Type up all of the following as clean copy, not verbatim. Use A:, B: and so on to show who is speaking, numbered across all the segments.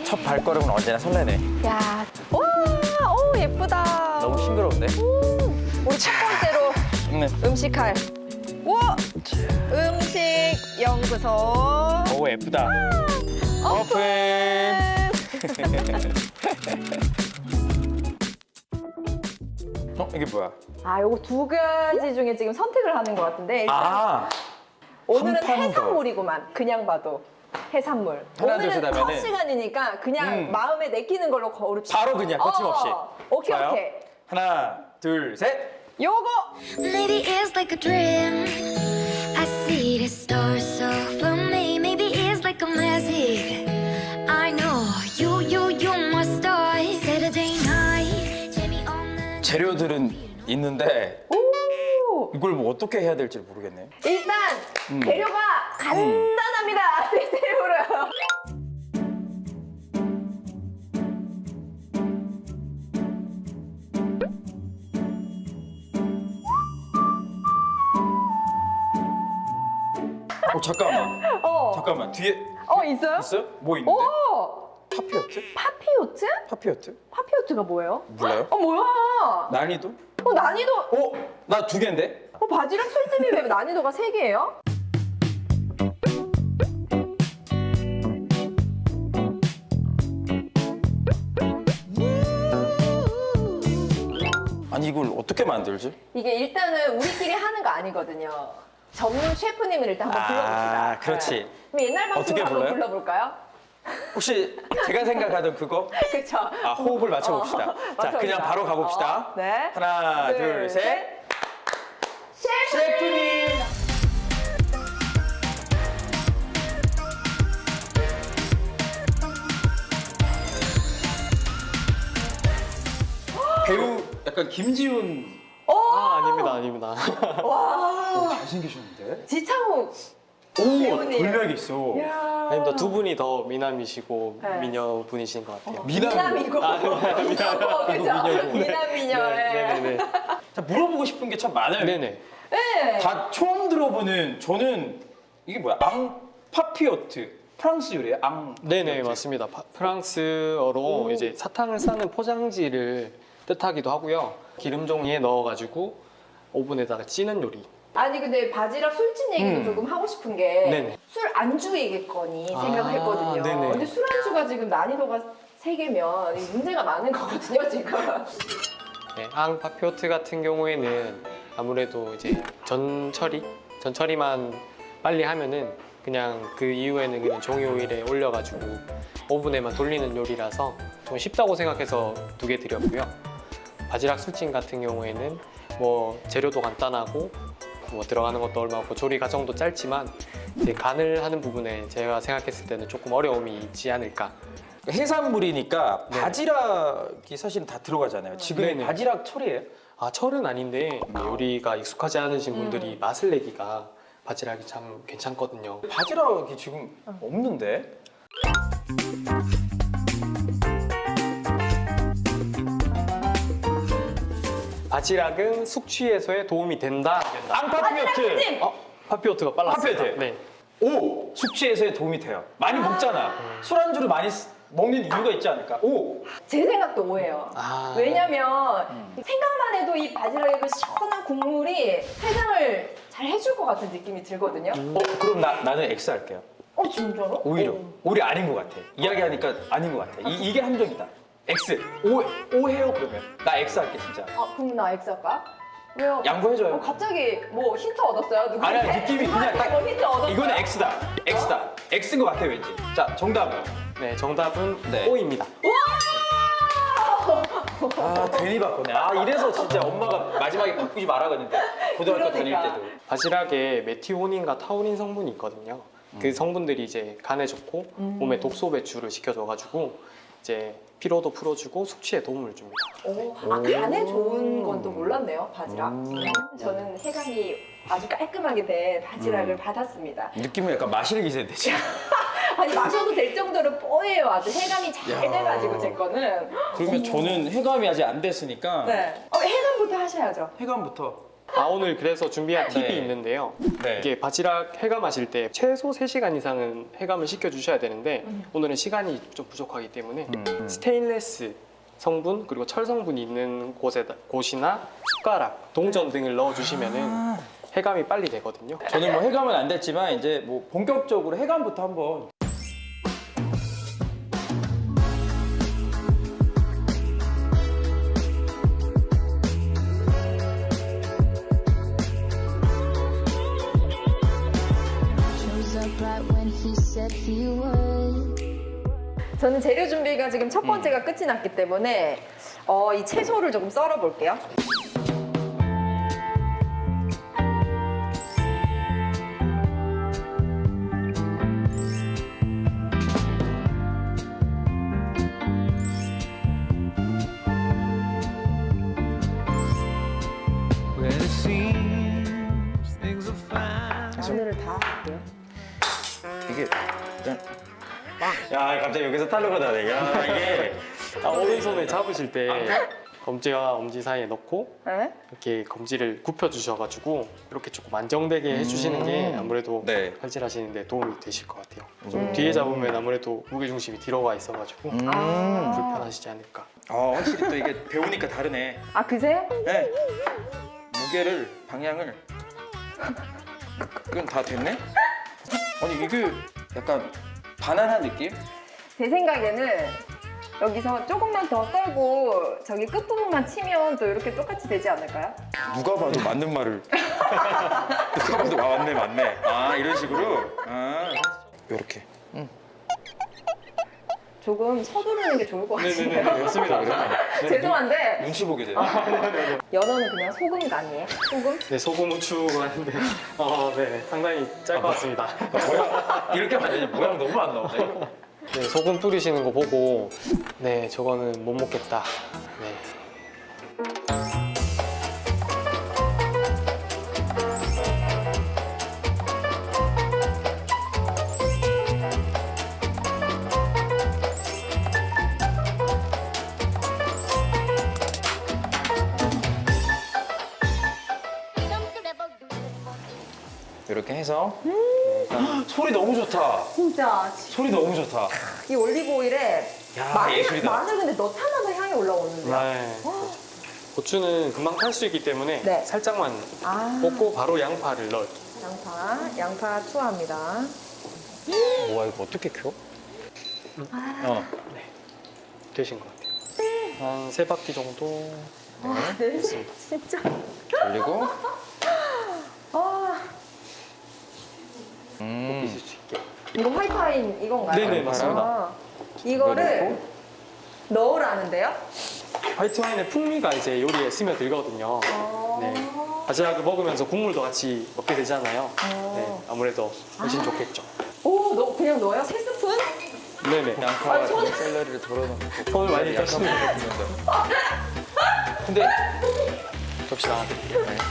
A: 첫 발걸음은 언제나 설레네.
B: 야, 와, 오 예쁘다.
A: 너무 싱그러운데?
B: 우리 첫 번째로 음식할 우와 음식 연구소
A: 오 예쁘다. 오픈. 이게 뭐야?
B: 아, 요거 두 가지 중에 지금 선택을 하는 것 같은데 일단
A: 아
B: 오늘은
A: 한 판 더.
B: 해산물이구만. 그냥 봐도 해산물.
A: 하나, 둘,
B: 오늘은
A: 셋
B: 첫
A: 하면은
B: 시간이니까 그냥 마음에 내키는 걸로 고릅시다.
A: 바로 그냥 거침없이.
B: 오케이
A: 좋아요?
B: 오케이.
A: 하나, 둘, 셋.
B: 요거
C: Maybe it's like a dream. I see the stars so for me. Maybe it's like a magic. I know you're my star. Saturday night. 재미없는
A: 재료들은 있는데
B: 오
A: 이걸 뭐 어떻게 해야 될지 모르겠네.
B: 일단 재료가 간단합니다. 대세우려.
A: 잠깐만.
B: 어.
A: 잠깐만. 뒤에
B: 있어요?
A: 있어요? 뭐 있는데?
B: 오
A: 파피요트?
B: 파피요트?
A: 파피요트?
B: 파피요트가 뭐예요?
A: 몰라요?
B: 뭐야?
A: 난이도?
B: 난이도
A: 나 두 개인데?
B: 바지락 술집이 왜 난이도가 3개예요?
A: 아니 이걸 어떻게 만들지?
B: 이게 일단은 우리끼리 하는 거 아니거든요. 전문 셰프님을 일단 한번 불러봅시다.
A: 아, 그렇지.
B: 네. 그럼 옛날 방식으로
A: 어떻게
B: 한번
A: 불러요?
B: 불러볼까요?
A: 혹시 제가 생각하던 그거?
B: 그렇죠.
A: 호흡을 맞춰봅시다. 자, 그냥 바로 가봅시다.
B: 네.
A: 하나, 둘, 셋. 셰프님! 배우 약간 김지훈
D: 아닙니다.
B: 와,
A: 잘생기셨는데?
B: 지창욱.
A: 오,
B: 배우님.
A: 돌력이 있어.
B: 이야.
D: 아닙니다. 두 분이 더 미남이시고
B: 네.
D: 미녀 분이신 것 같아요.
B: 미남이고. 그죠? 미남 미녀.
D: 네네네.
A: 자, 물어보고 싶은 게 참 많아요.
D: 네네.
B: 네.
A: 다 처음 들어보는 저는 이게 뭐야? 앙파피오트. 프랑스 요리예요?
D: 네네 맞습니다. 프랑스어로 이제 사탕을 싸는 포장지를 뜻하기도 하고요. 기름 종이에 넣어가지고 오븐에다가 찌는 요리.
B: 아니 근데 바지락 술집 얘기도 조금 하고 싶은 게
D: 네네.
B: 술 안주이겠거니
D: 아,
B: 생각을 했거든요.
D: 네네.
B: 근데 술 안주가 지금 난이도가 3개면 문제가 많은 거거든요 지금.
D: 네, 앙파피오트 같은 경우에는 아무래도 이제 전처리만 빨리 하면은 그냥 그 이후에는 그냥 종이 오일에 올려가지고 오븐에만 돌리는 요리라서 좀 쉽다고 생각해서 두 개 드렸고요. 바지락 술찜 같은 경우에는 뭐 재료도 간단하고 뭐 들어가는 것도 얼마 없고 조리 과정도 짧지만 이제 간을 하는 부분에 제가 생각했을 때는 조금 어려움이 있지 않을까.
A: 해산물이니까
D: 네.
A: 바지락이 사실은 다 들어가잖아요. 지금
D: 네네.
A: 바지락 철이에요?
D: 아 철은 아닌데 요리가 익숙하지 않으신 분들이 맛을 내기가 바지락이 참 괜찮거든요.
A: 바지락이 지금 없는데?
D: 바지락은 숙취 해소에 도움이 된다. 안 된다.
A: 앙파피오트!
D: 파피오트가 빨랐어요.
A: 파피오트.
D: 네.
A: 오! 숙취 해소에 도움이 돼요. 많이 먹잖아. 술안주를 많이 먹는 이유가 있지 않을까? 오!
B: 제 생각도 오해요.
D: 아.
B: 왜냐면 생각만 해도 이 바지락의 그 시원한 국물이 해장을 잘 해줄 것 같은 느낌이 들거든요.
A: 그럼 나는 X 할게요.
B: 진짜로?
A: 오히려 아닌 것 같아. 이야기하니까 아닌 것 같아. 이게 함정이다. X. 오해요 그러면. 나 X 할게 진짜.
B: 그럼 나 X 할까? 왜요?
A: 양보해줘요.
B: 갑자기 뭐 힌트 얻었어요? 누구한테?
A: 아니야 느낌이 그냥 딱
B: 뭐 힌트 얻었어요?
A: 이거는 X다. X인 것 같아 왠지. 자 정답은?
D: 네, 정답은
A: 네.
D: O입니다.
A: 아 괜히 바꾸네. 이래서 진짜 엄마가 마지막에 바꾸지 말아갔는데 고등학교 다닐
B: 그러니까.
A: 때도.
D: 바지락에 메티오닌과 타우린 성분이 있거든요. 그 성분들이 이제 간에 좋고 몸에 독소 배출을 시켜줘가지고 이제 피로도 풀어주고 숙취에 도움을 줍니다.
B: 간에 좋은 건 또 몰랐네요, 바지락. 저는 해감이 아주 깔끔하게 된 바지락을 받았습니다.
A: 느낌은 약간 마실 기세인데 지금.
B: 아니 마셔도 될 정도로 뽀예요. 아주 해감이 잘 돼가지고 제 거는.
A: 그러면 저는 해감이 아직 안 됐으니까
B: 네. 해감부터 하셔야죠.
A: 해감부터
D: 오늘 그래서 준비한 팁이
A: 네.
D: 있는데요.
A: 네.
D: 이게 바지락 해감하실 때 최소 3시간 이상은 해감을 시켜주셔야 되는데 오늘은 시간이 좀 부족하기 때문에 스테인레스 성분 그리고 철 성분이 있는 곳이나 숟가락, 동전 등을 넣어주시면은 해감이 빨리 되거든요.
A: 저는 뭐 해감은 안 됐지만 이제 뭐 본격적으로 해감부터 한번.
C: Shows up right when he said he would.
B: 저는 재료 준비가 지금 첫 번째가 끝이 났기 때문에 이 채소를 조금 썰어 볼게요.
E: Where it seems things are fine.
B: 마늘을 다 할게요.
A: 이게 일단 야 갑자기 여기서 탈로가 나네. 야 이게
D: 오른손에 잡으실 때 검지와 엄지 사이에 넣고
B: 네?
D: 이렇게 검지를 굽혀 주셔가지고 이렇게 조금 안정되게 해주시는 게 아무래도
A: 네.
D: 칼질하시는데 도움이 되실 것 같아요. 좀 뒤에 잡으면 아무래도 무게 중심이 뒤로 가 있어가지고 불편하시지 않을까.
A: 확실히 또 이게 배우니까 다르네.
B: 아 그세요?
A: 네. 무게를 방향을 그건 다 됐네? 아니 이게 약간 바나나 느낌?
B: 제 생각에는 여기서 조금만 더 썰고 저기 끝부분만 치면 또 이렇게 똑같이 되지 않을까요?
A: 누가 봐도 맞는 말을 누가 봐도 맞네 이런 식으로 요렇게
B: 조금 서두르는 게 좋을 것 같은데요?
D: 맞습니다.
B: 죄송한데
A: 눈치 보게 되네.
B: 연어는 그냥 소금 간이에요? 소금?
D: 네, 소금 후추가 하는데 네, 상당히 짤 것 같습니다.
A: 모양 이렇게 하면 되지 모양 너무 안 나오네 이거.
D: 네, 소금 뿌리시는 거 보고 네, 저거는 못 먹겠다. 네.
A: 이렇게 해서 소리 너무 좋다.
B: 진짜
A: 소리 너무 좋다.
B: 이 올리브 오일에
A: 야, 예술이다.
B: 마늘 근데 넣자마자 향이 올라오는데요?
D: 네. 고추는 금방 탈 수 있기 때문에
B: 네.
D: 살짝만
B: 아
D: 볶고 바로 양파를 넣을게요.
B: 양파 투하합니다.
A: 뭐야 이거 어떻게 켜?
D: 되신 것 같아요. 한 3바퀴 정도.
B: 네, 진짜.
A: 올리고
D: 볶으실 수 있게.
B: 이거 화이트와인 이건가요?
D: 네네, 맞습니다.
B: 이거를 넣으라는데요?
D: 화이트 와인의 풍미가 이제 요리에 스며들거든요. 네. 바지락을 먹으면서 국물도 같이 먹게 되잖아요. 네, 아무래도 훨씬 좋겠죠.
B: 오, 그냥 넣어요? 3스푼?
D: 네네.
A: 양파와
B: 아, 손-
A: 샐러리를 덜어놓고
D: 손을 많이
A: 약간
D: 떠시네요.
A: 볶으면서. 근데
D: 접시 나눠드릴게요. 네.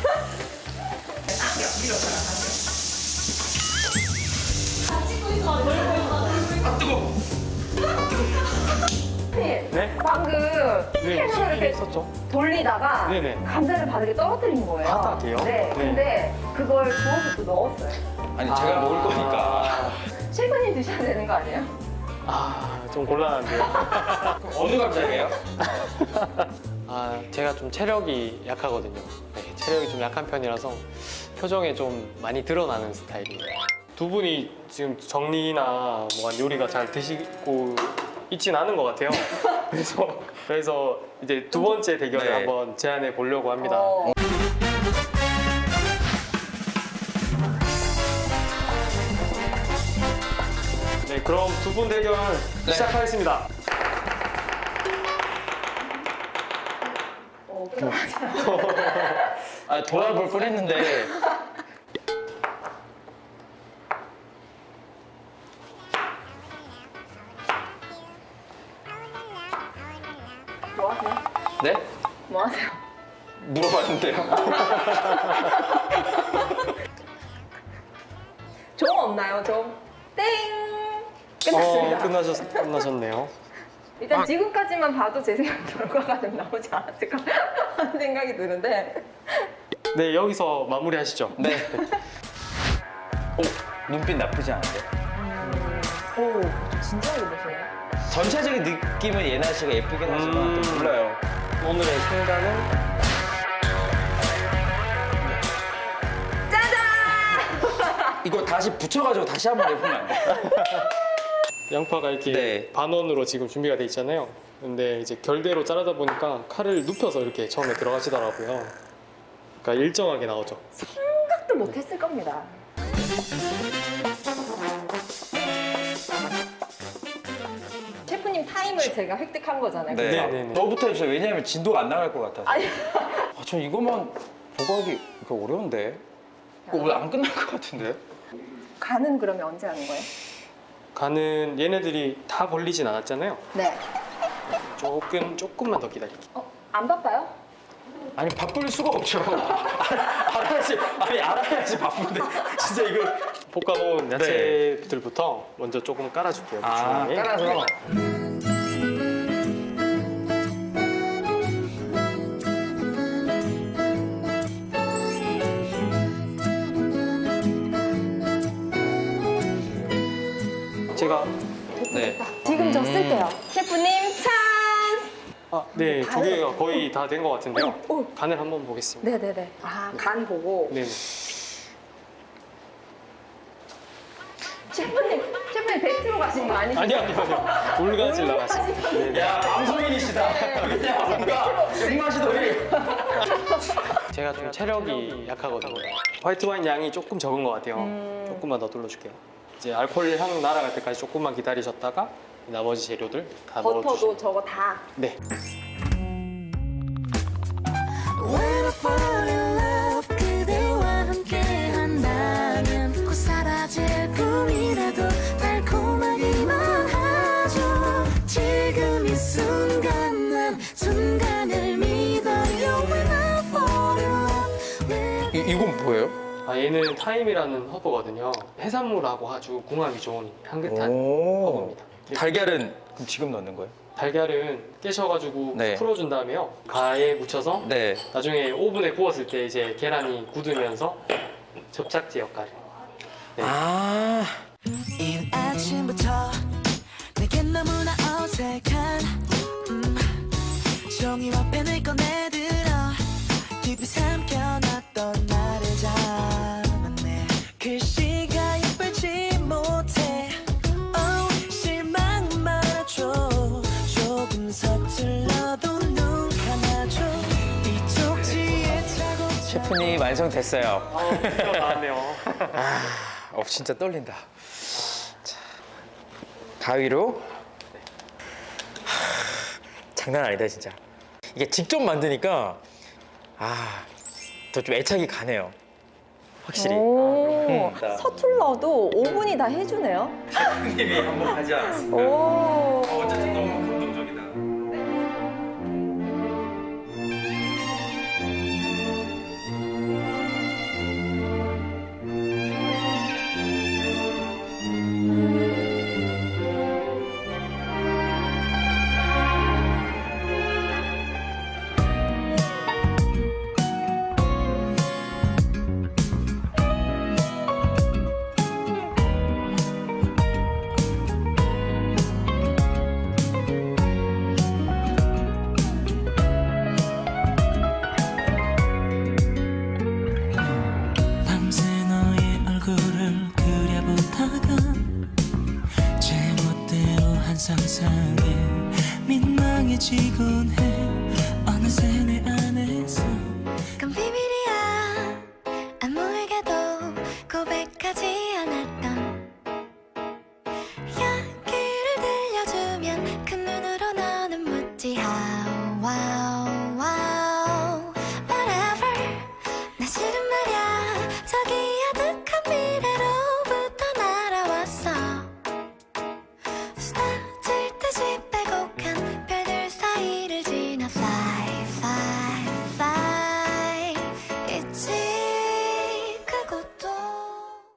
D: 네?
B: 방금
D: 네,
B: 햄을
D: 수분이
B: 이렇게
D: 있었죠.
B: 돌리다가
D: 네네.
B: 감자를 바닥에 떨어뜨린 거예요.
D: 바닥에요?
B: 네.
D: 네.
B: 근데 그걸 부어서 또 넣었어요.
A: 아니 제가 먹을 거니까
B: 셰프님 드셔야 되는 거 아니에요?
D: 좀 곤란한데요.
A: 어느 감자예요?
D: 제가 좀 체력이 약하거든요. 네, 체력이 좀 약한 편이라서 표정에 좀 많이 드러나는 스타일이에요. 두 분이 지금 정리나 뭐 요리가 잘 되시고 있진 않은 것 같아요. 그래서 이제 두 번째 대결을
A: 네.
D: 한번 제안해 보려고 합니다. 네, 그럼 두 분 대결 시작하겠습니다.
A: 도합을 끓였는데
B: 뭐 하세요?
A: 네?
B: 뭐 하세요?
A: 물어봤는데요.
B: 종 없나요? 종? 땡! 끝났습니다.
D: 끝나셨네요.
B: 일단 지금까지만 봐도 제 생각 결과가 좀 나오지 않았을까 하는 생각이 드는데
D: 네, 여기서 마무리하시죠.
A: 네. 오, 눈빛 나쁘지 않은데?
B: 오, 진짜 예쁘시네요.
A: 전체적인 느낌은 예나 씨가 예쁘긴 하지만 또 몰라요.
D: 오늘의 생각은
A: 이거 다시 붙여가지고 다시 한번 해보면 안 돼?
D: 양파가 이렇게
A: 네.
D: 반원으로 지금 준비가 돼 있잖아요. 근데 이제 결대로 자르다 보니까 칼을 눕혀서 이렇게 처음에 들어가시더라고요. 그러니까 일정하게 나오죠.
B: 생각도 못했을 겁니다. 셰프님 타임을 제가 획득한 거잖아요.
A: 네.
B: 그죠?
D: 네.
A: 너부터 해주세요. 왜냐면 진도가 안 나갈 것 같아서.
B: 아니.
A: 전 이것만 보고 하기 이거 어려운데. 이거 오늘 안 끝날 것 같은데?
B: 간은 그러면 언제 하는 거예요?
D: 간은 얘네들이 다 벌리진 않았잖아요.
B: 네.
D: 조금만 더 기다릴게요.
B: 안 바빠요?
A: 아니 바쁠 수가 없죠. 알아야지. 아니 알아야지 바쁜데. 진짜 이거.
D: 볶아놓은 야채들부터 먼저 조금 깔아줄게요.
A: 아
D: 중앙에.
A: 깔아서.
D: 제가
A: 네.
B: 지금 저 쓸게요. 셰프님 찬스!
D: 네, 두 개가 거의 다 된 것 같은데요.
B: 오.
D: 간을 한번 보겠습니다.
B: 네네네. 아, 간 보고.
D: 네.
B: 셰프님 100kg 가신 거 아니죠?
D: 아니요. 물가질 나갔습니다. 네.
A: 야 방송인이시다. 그냥 뭔가 입맛이 더해.
D: 제가 좀 체력이 약하거든요. 화이트 와인 양이 조금 적은 것 같아요. 조금만 더 둘러줄게요. 이제 알코올 향 날아갈 때까지 조금만 기다리셨다가 나머지 재료들 다
B: 버터도
D: 넣어주시고.
B: 저거 다.
D: 네.
C: When I fall in love 그대와 함께 한다면 곧 사라질 꿈이라도 달콤하기만 하죠 지금 이 순간 난 순간을 믿어요 When I fall in love with
A: 이건 뭐예요?
D: 얘는 타임이라는 허브거든요. 해산물하고 아주 궁합이 좋은 향긋한
A: 오.
D: 허브입니다.
A: 달걀은 그럼 지금 넣는 거예요?
D: 달걀은 깨셔가지고
A: 네.
D: 풀어준 다음에요. 가에 묻혀서
A: 네.
D: 나중에 오븐에 구웠을 때 이제 계란이 굳으면서 접착제 역할을. 네.
A: 아.
F: 이른 아침부터 내겐 너무나 어색한 종이와 펜을 꺼내들어 깊이 삼켜놨던 나를 잡았네 글씨가 예쁠지 못해 실망 말아줘 조금 서툴러도 눈 감아줘 이 쪽지에 차곡차곡
A: 셰프님 완성됐어요.
D: 드디어 나왔네요.
A: 진짜 떨린다. 자, 가위로. 장난 아니다 진짜. 이게 직접 만드니까 더 좀 애착이 가네요. 확실히.
B: 오, 서툴러도 5분이 다 해주네요.
A: 셰프님이 한번 하지 않았습니까?
B: 오.
A: 어쨌든 너무 감동적이다.
F: 밤새 너의 얼굴을 그려보다가 제멋대로 한 상상에 민망해지곤 해 어느새 내 안에서
C: 건 비밀이